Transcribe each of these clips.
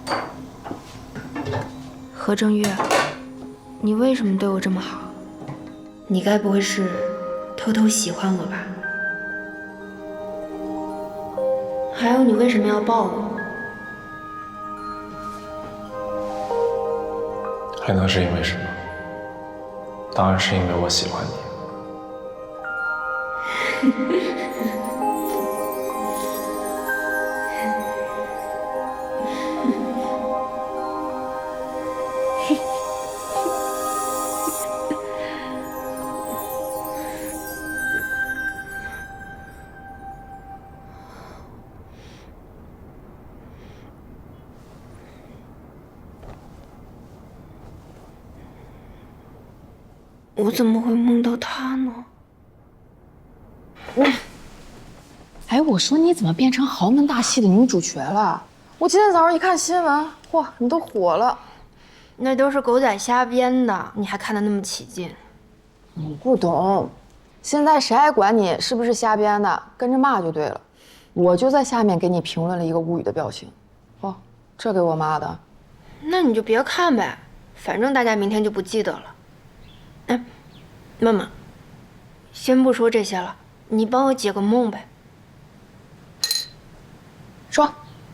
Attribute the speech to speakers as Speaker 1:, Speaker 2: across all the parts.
Speaker 1: 何正月，你为什么对我这么好？你该不会是偷偷喜欢我吧？还有，你为什么要抱我？
Speaker 2: 还能是因为什么？当然是因为我喜欢你。
Speaker 1: 我怎么会梦到他呢？
Speaker 3: 哎，我说你怎么变成豪门大戏的女主角了？我今天早上一看新闻，嚯，你都火了。
Speaker 1: 那都是狗仔瞎编的，你还看得那么起劲？
Speaker 3: 你不懂，现在谁还管你是不是瞎编的？跟着骂就对了。我就在下面给你评论了一个无语的表情。哦，这给我妈的。
Speaker 1: 那你就别看呗，反正大家明天就不记得了。哎，妈妈，先不说这些了，你帮我解个梦呗。
Speaker 3: 说。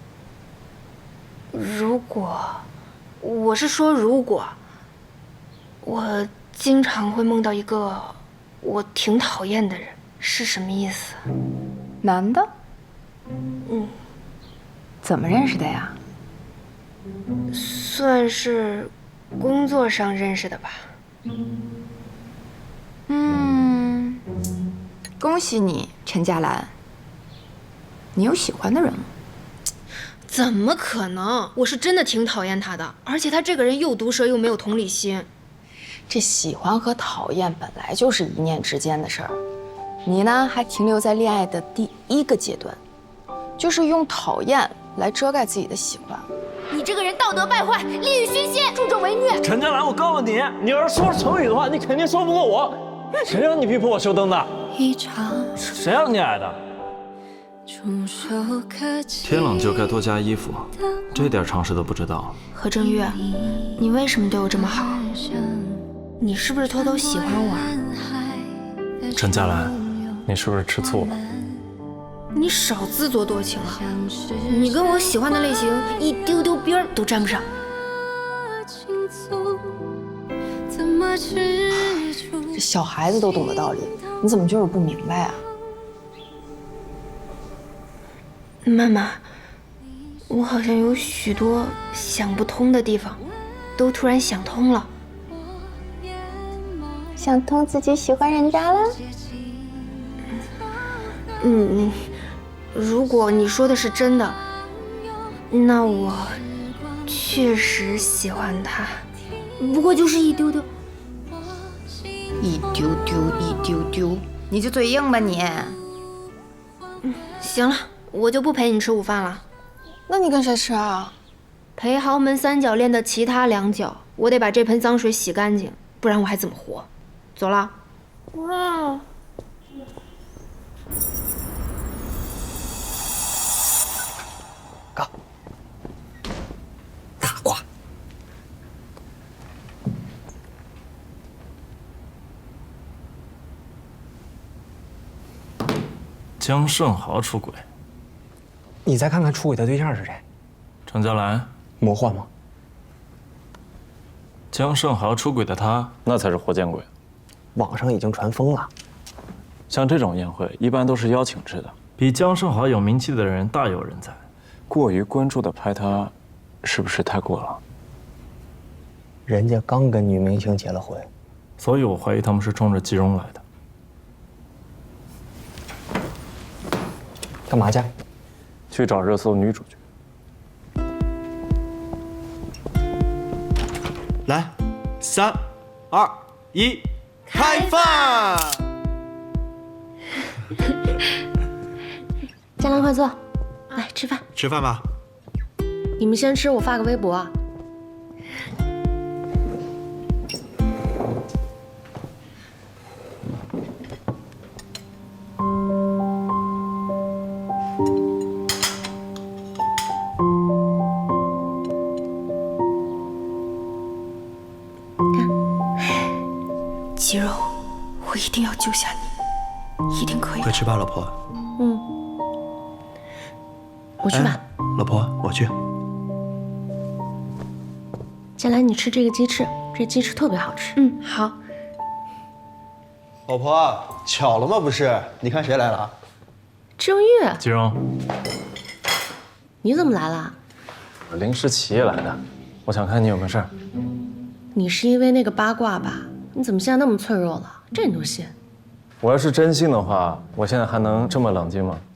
Speaker 1: 如果，我是说如果，我经常会梦到一个我挺讨厌的人，是什么意思？
Speaker 3: 男的？
Speaker 1: 嗯，
Speaker 3: 怎么认识的呀？
Speaker 1: 算是工作上认识的吧。
Speaker 3: 恭喜你，陈佳兰。你有喜欢的人吗？
Speaker 1: 怎么可能？我是真的挺讨厌他的，而且他这个人又毒舌又没有同理心。
Speaker 3: 这喜欢和讨厌本来就是一念之间的事儿，你呢还停留在恋爱的第一个阶段，就是用讨厌来遮盖自己的喜欢。
Speaker 1: 你这个人道德败坏，利欲熏心，助纣为虐。
Speaker 4: 陈佳兰，我告诉你，你要是说成语的话，你肯定说不过我。谁让你逼迫我修灯的？谁让你矮的？
Speaker 5: 天冷就该多加衣服，这点常识都不知道。
Speaker 1: 何正月，你为什么对我这么好？你是不是偷偷喜欢我啊？
Speaker 2: 陈佳兰，你是不是吃醋了？
Speaker 1: 你少自作多情啊！你跟我喜欢的类型一丢丢边儿都沾不上。
Speaker 3: 这小孩子都懂的道理，你怎么就是不明白啊？
Speaker 1: 妈妈，我好像有许多想不通的地方，都突然想通了。
Speaker 6: 想通自己喜欢人家了？
Speaker 1: 如果你说的是真的，那我确实喜欢他，不过就是一丢丢。
Speaker 6: 一丢丢，一丢丢，你就嘴硬吧你。
Speaker 1: 行了，我就不陪你吃午饭了。
Speaker 3: 那你跟谁吃啊？
Speaker 1: 陪豪门三角恋的其他两角，我得把这盆脏水洗干净，不然我还怎么活？走了。哇。
Speaker 4: 嘎。大瓜。
Speaker 5: 江胜豪出轨，
Speaker 7: 你再看看出轨的对象是谁？
Speaker 5: 陈佳兰，
Speaker 7: 魔幻吗？
Speaker 5: 江胜豪出轨的他，那才是活见鬼。
Speaker 7: 网上已经传疯了。
Speaker 5: 像这种宴会一般都是邀请制的，比江胜豪有名气的人大有人在。
Speaker 2: 过于关注的拍他，是不是太过了？
Speaker 7: 人家刚跟女明星结了婚，
Speaker 5: 所以我怀疑他们是冲着季荣来的。
Speaker 7: 干嘛去？
Speaker 2: 去找热搜女主角。
Speaker 4: 来，3、2、1，开饭！
Speaker 1: 佳兰，快坐，来吃饭。
Speaker 4: 吃饭吧。
Speaker 1: 你们先吃，我发个微博啊。 肌肉，我一定要救下你，一定可以。
Speaker 8: 快吃吧，老婆。
Speaker 9: 嗯，我去吧。
Speaker 8: 老婆，我去。
Speaker 9: 建来，你吃这个鸡翅，这鸡翅特别好吃。
Speaker 1: 嗯，好。
Speaker 8: 老婆，巧了吗？不是，你看谁来了？
Speaker 9: 郑玉，
Speaker 5: 季荣，
Speaker 9: 你怎么来了？
Speaker 5: 我临时起夜来的，我想看你有没有事儿。
Speaker 9: 你是因为那个八卦吧？你怎么现在那么脆弱了？这你都信？
Speaker 5: 我要是真信的话，我现在还能这么冷静吗？